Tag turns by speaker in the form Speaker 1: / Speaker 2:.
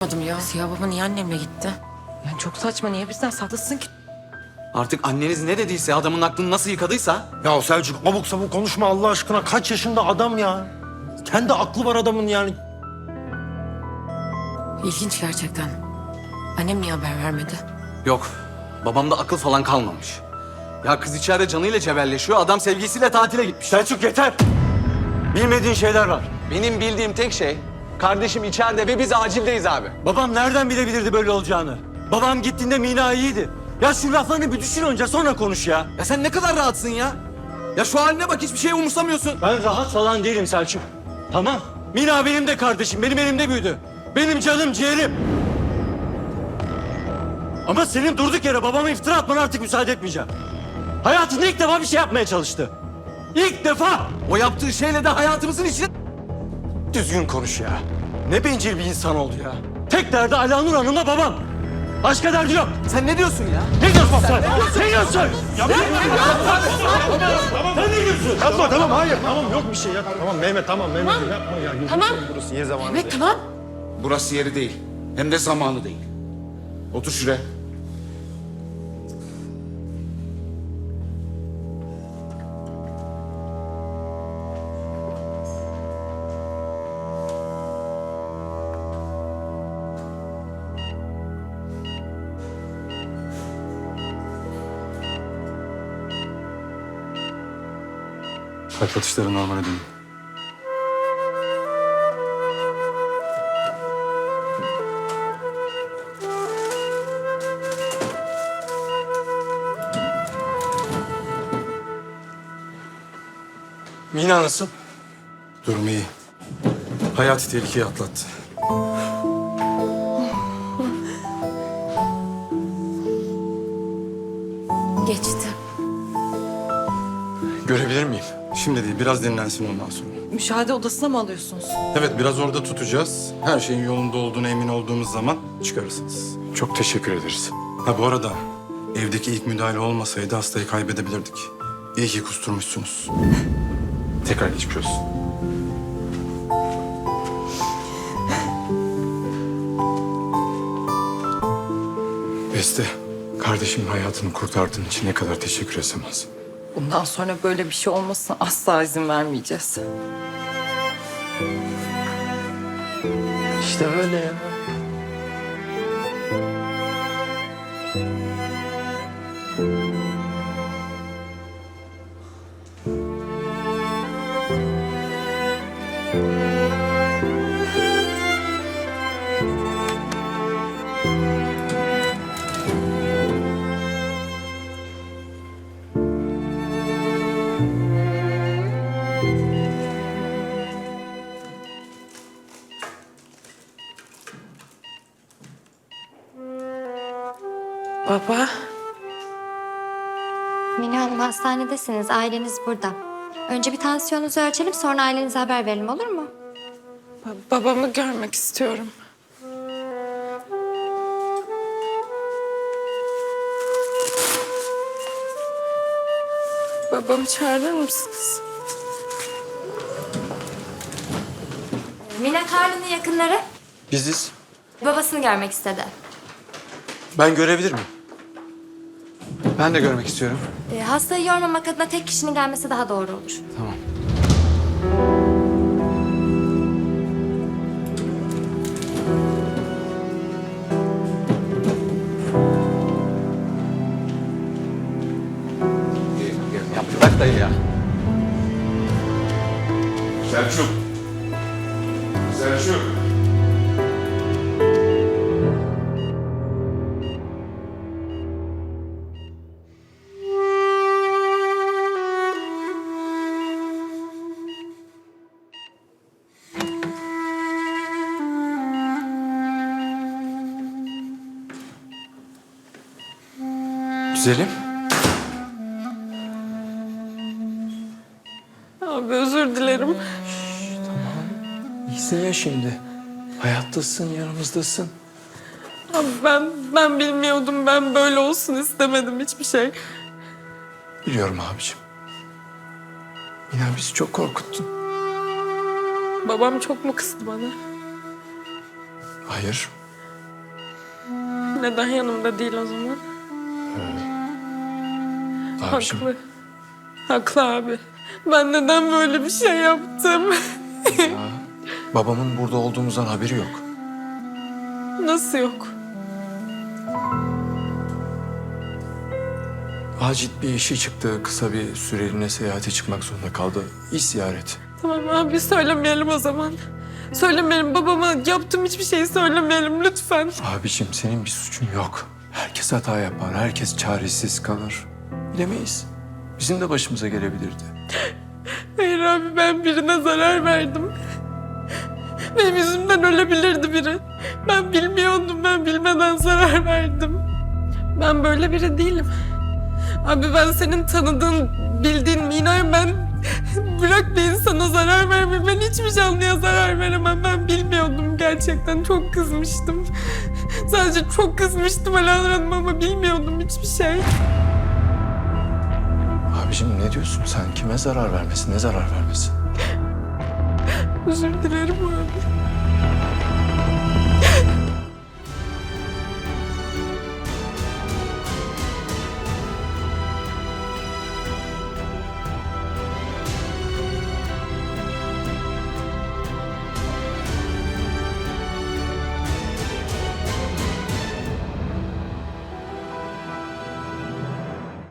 Speaker 1: anlamadım ya. Siyah baba niye annemle gitti? Yani çok saçma. Niye bizden saklasın ki?
Speaker 2: Artık anneniz ne dediyse, adamın aklını nasıl yıkadıysa...
Speaker 3: Ya Selçuk abuk sabuk konuşma Allah aşkına. Kaç yaşında adam ya? Kendi aklı var adamın yani.
Speaker 1: İlginç gerçekten. Annem niye haber vermedi?
Speaker 2: Yok, babamda akıl falan kalmamış. Ya kız içeride canıyla cebelleşiyor, adam sevgisiyle tatile gitmiş.
Speaker 3: Selçuk yeter. Bilmediğin şeyler var.
Speaker 2: Benim bildiğim tek şey, kardeşim içeride ve biz acildeyiz abi.
Speaker 3: Babam nereden bilebilirdi böyle olacağını? Babam gittiğinde Mina iyiydi. Ya şu laflarını bir düşün önce sonra konuş ya.
Speaker 2: Ya sen ne kadar rahatsın ya? Ya şu haline bak, hiçbir şey umursamıyorsun.
Speaker 3: Ben rahat falan değilim Selçuk. Tamam. Mina benim de kardeşim. Benim elimde büyüdü. Benim canım ciğerim. Ama senin durduk yere babama iftira atmana artık müsaade etmeyeceğim. Hayatında ilk defa bir şey yapmaya çalıştı. İlk defa.
Speaker 2: O yaptığı şeyle de hayatımızın içine...
Speaker 3: Düzgün konuş ya. Ne bencil bir insan oldu ya. Tek derdi Alanur Hanım'la babam. Başka derdi yok.
Speaker 2: Sen ne diyorsun ya?
Speaker 3: Ne diyorsun sen? Ne diyorsun? Yapma. Sen ne diyorsun? Yapma tamam hayır. Tamam yok bir şey ya. Tamam Mehmet tamam Mehmet yapma ya.
Speaker 1: Tamam.
Speaker 3: Burası yer zamanı
Speaker 1: Evet
Speaker 3: değil.
Speaker 1: tamam.
Speaker 4: Burası yeri değil. Hem de zamanı değil. Otur şuraya.
Speaker 5: Kalp atışları normale dönüyor.
Speaker 3: Mina nasıl?
Speaker 5: Durumu iyi. Hayati tehlikeyi atlattı.
Speaker 1: Geçti.
Speaker 3: Görebilir miyim?
Speaker 5: Şimdi değil, biraz dinlensin ondan sonra.
Speaker 1: Müşahede odasına mı alıyorsunuz?
Speaker 5: Evet, biraz orada tutacağız. Her şeyin yolunda olduğuna emin olduğumuz zaman çıkarırsınız.
Speaker 3: Çok teşekkür ederiz.
Speaker 5: Ha bu arada, evdeki ilk müdahale olmasaydı hastayı kaybedebilirdik. İyi ki kusturmuşsunuz.
Speaker 3: Tekrar geçmiş olsun.
Speaker 5: Beste, kardeşimin hayatını kurtardığın için ne kadar teşekkür etsem az.
Speaker 1: Bundan sonra böyle bir şey olmasına asla izin vermeyeceğiz.
Speaker 3: İşte öyle ya.
Speaker 1: Baba.
Speaker 6: Mine Hanım hastanedesiniz. Aileniz burada. Önce bir tansiyonunuzu ölçelim sonra ailenize haber verelim olur mu?
Speaker 1: Babamı görmek istiyorum. Babamı çağırır mısınız?
Speaker 6: Mine Karlı'nın yakınları
Speaker 3: Biziz.
Speaker 6: babasını görmek istedi.
Speaker 3: Ben görebilir miyim?
Speaker 2: Ben de görmek istiyorum.
Speaker 6: Hastayı yormamak adına tek kişinin gelmesi daha doğru olur.
Speaker 2: Tamam. Ya bırak dayı ya.
Speaker 4: Selçuk. Selçuk.
Speaker 3: Güzelim.
Speaker 1: Abi özür dilerim.
Speaker 3: İyisin ya şimdi. Hayattasın, yanımızdasın.
Speaker 1: Abi ben bilmiyordum. Ben böyle olsun istemedim hiçbir şey.
Speaker 3: Biliyorum abicim. Mina bizi çok korkuttun.
Speaker 1: Babam çok mu kızdı bana?
Speaker 3: Hayır.
Speaker 1: Neden yanımda değil o zaman?
Speaker 3: Abiciğim,
Speaker 1: Haklı. Haklı abi. Ben neden böyle bir şey yaptım?
Speaker 3: babamın burada olduğumuzdan haberi yok.
Speaker 1: Nasıl yok?
Speaker 3: Acil bir işi çıktı. Kısa bir süreliğine seyahate çıkmak zorunda kaldı. İş ziyareti.
Speaker 1: Tamam abi söylemeyelim o zaman. Söylemeyelim babama yaptığım hiçbir şeyi söylemeyelim lütfen.
Speaker 3: Abiciğim senin bir suçun yok. Herkes hata yapar. Herkes çaresiz kalır. Bilemeyiz. Bizim de başımıza gelebilirdi.
Speaker 1: Hayır abi ben birine zarar verdim. Benim yüzümden ölebilirdi biri. Ben bilmiyordum, ben bilmeden zarar verdim. Ben böyle biri değilim. Abi ben senin tanıdığın, bildiğin Mina'yım ben. Bırak bir insana zarar verme. Ben hiçbir canlıya zarar veremem. Ben bilmiyordum gerçekten. Çok kızmıştım. Sadece çok kızmıştım Alanur Hanım ama bilmiyordum hiçbir şey.
Speaker 3: Abiciğim ne diyorsun sen? Kime zarar vermesin? Ne zarar vermesin?
Speaker 1: Özür dilerim abi.